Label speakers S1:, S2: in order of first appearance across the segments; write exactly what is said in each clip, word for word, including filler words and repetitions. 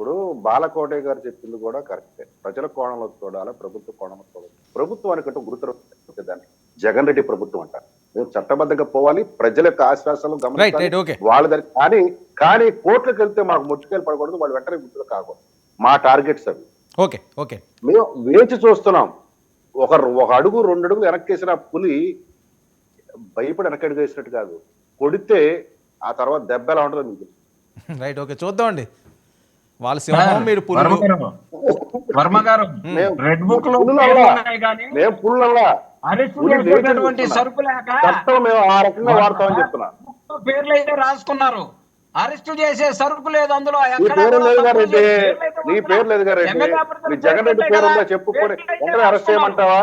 S1: ఇప్పుడు బాలకోటే గారు చెప్పింది కూడా కరెక్టే. ప్రజల కోణంలో చూడాలి, ప్రభుత్వ కోణంలో చూడాలి. ప్రభుత్వానికి అంటే గురుతరం దాన్ని జగన్ రెడ్డి ప్రభుత్వం అంటారు. మేము చట్టబద్ధంగా పోవాలి, ప్రజల యొక్క ఆశ్వాసాలు గమనించాలి, వాళ్ళ దగ్గర. కానీ కానీ కోర్టులకు వెళ్తే మాకు ముట్టుకెళ్ళి పడకూడదు, వాళ్ళు వెంటనే గుర్తులు కాకూడదు. మా టార్గెట్స్ అవి.
S2: ఓకే ఓకే
S1: మేము వేచి చూస్తున్నాం. ఒక ఒక అడుగు రెండు అడుగులు వెనక్కేసిన పులి భయపడి వెనకడుగు వేసినట్టు కాదు, కొడితే ఆ తర్వాత దెబ్బ ఎలా ఉంటుందో మీకు.
S2: రైట్, ఓకే, చూద్దామండి. వాళ్ళ సింహం, మీరు పులులు.
S3: వర్మ గారు, రెడ్ బుక్ లో
S1: మేము పుల్లల్లా
S3: సరుకు లేక
S1: చట్టం మేము ఆ రకంగా వాడతామని చెప్తున్నా.
S3: పేర్లు అయితే రాసుకున్నారు, అరెస్ట్ చేసే సరుకు లేదు అందులో.
S1: నీ పేరు లేదు గారెడ్డి, నీ పేరు లేదు గారెడ్డి, నీ జగన్ రెడ్డి పేరు ఉందో చెప్పుకొని వెంటనే అరెస్ట్ చేయమంటావా?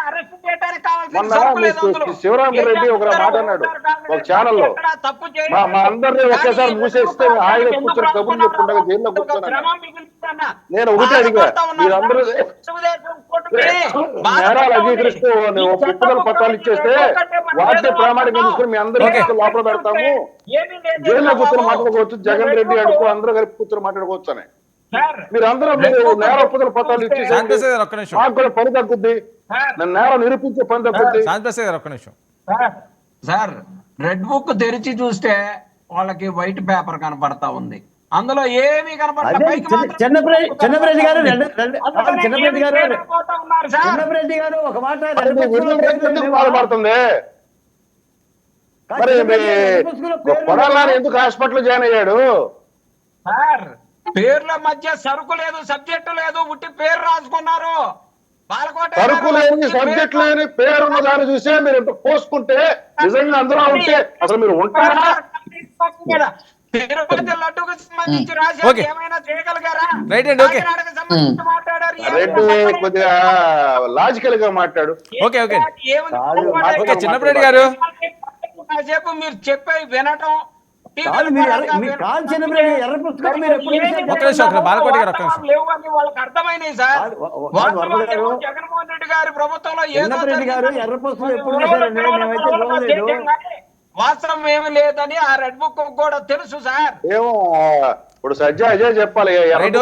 S1: మొన్న శివరామరెడ్డి ఒక మాట అన్నాడు ఒక ఛానల్లో, మా మా అందరినీ ఒకేసారి మూసేస్తే ఆయన కూర్చొని కబుర్లు చెప్పుకుంటా జైల్లో కూర్చొని. నేను ఒకటి అడిగా, మీరందరూ నేరాలు అంగీకరిస్తూ ఒప్పుదల పత్రాలు ఇచ్చేస్తే వాటిని ప్రామాణికంగా తీసుకుని మీ అందరికీ లోపల పెడతాము, జైల్లో కూర్చొని మాట్లాడుకోవచ్చు, జగన్ రెడ్డి అడుగు అందరూ కలిపి కూర్చొని మాట్లాడుకోవచ్చు అని. మీరు అందరూ నేర ఒప్పుదల పత్రాలు ఇచ్చేసి మాకు కూడా పని తగ్గుద్ది, నేను నేరం నిరూపించే పని తగ్గుద్ది.
S2: ఒక్క నిమిషం
S3: సార్, రెడ్ బుక్ తెరిచి చూస్తే వాళ్ళకి వైట్ పేపర్ కనపడతా ఉంది, అందులో ఏమి కనపడలేదు.
S4: చిన్నప్రెడ్డి గారు చిన్నప్రెడ్డి గారు చిన్నప్రెడ్డి గారు ఒక మాట
S1: బాధపడుతుంది. మరి కొడాలని ఎందుకు హాస్పిటల్ జాయిన్ అయ్యాడు?
S3: సార్, పేర్ల మధ్య సరుకు లేదు, సబ్జెక్టు లేదు, ఉట్టి పేరు రాసుకున్నారు.
S1: సరుకు లేని సబ్జెక్ట్ లేని పేరున్న దాన్ని చూసే మీరు ఎంత పోసుకుంటే నిజంగా అందులో ఉంటే అసలు మీరు ఉంటారా?
S3: తిరుపతి లడ్డుకు సంబంధించి రాశారు, ఏమైనా చేయగలిగారా?
S1: రెడ్డి కొద్దిగా లాజికల్ గా మాట్లాడు.
S2: ఓకే ఓకే ఓకే చిన్నప్రెడ్డి గారు,
S3: కాసేపు మీరు చెప్పే వినటం. వాళ్ళకి అర్థమైనాయి సార్. జగన్మోహన్ రెడ్డి గారి ప్రభుత్వంలో ఏదో వాస్తవం ఏమి లేదని ఆ రెడ్ బుక్ కూడా తెలుసు సార్.
S1: ఏమో ఇప్పుడు సజ్జా అజయ్ చెప్పాలి.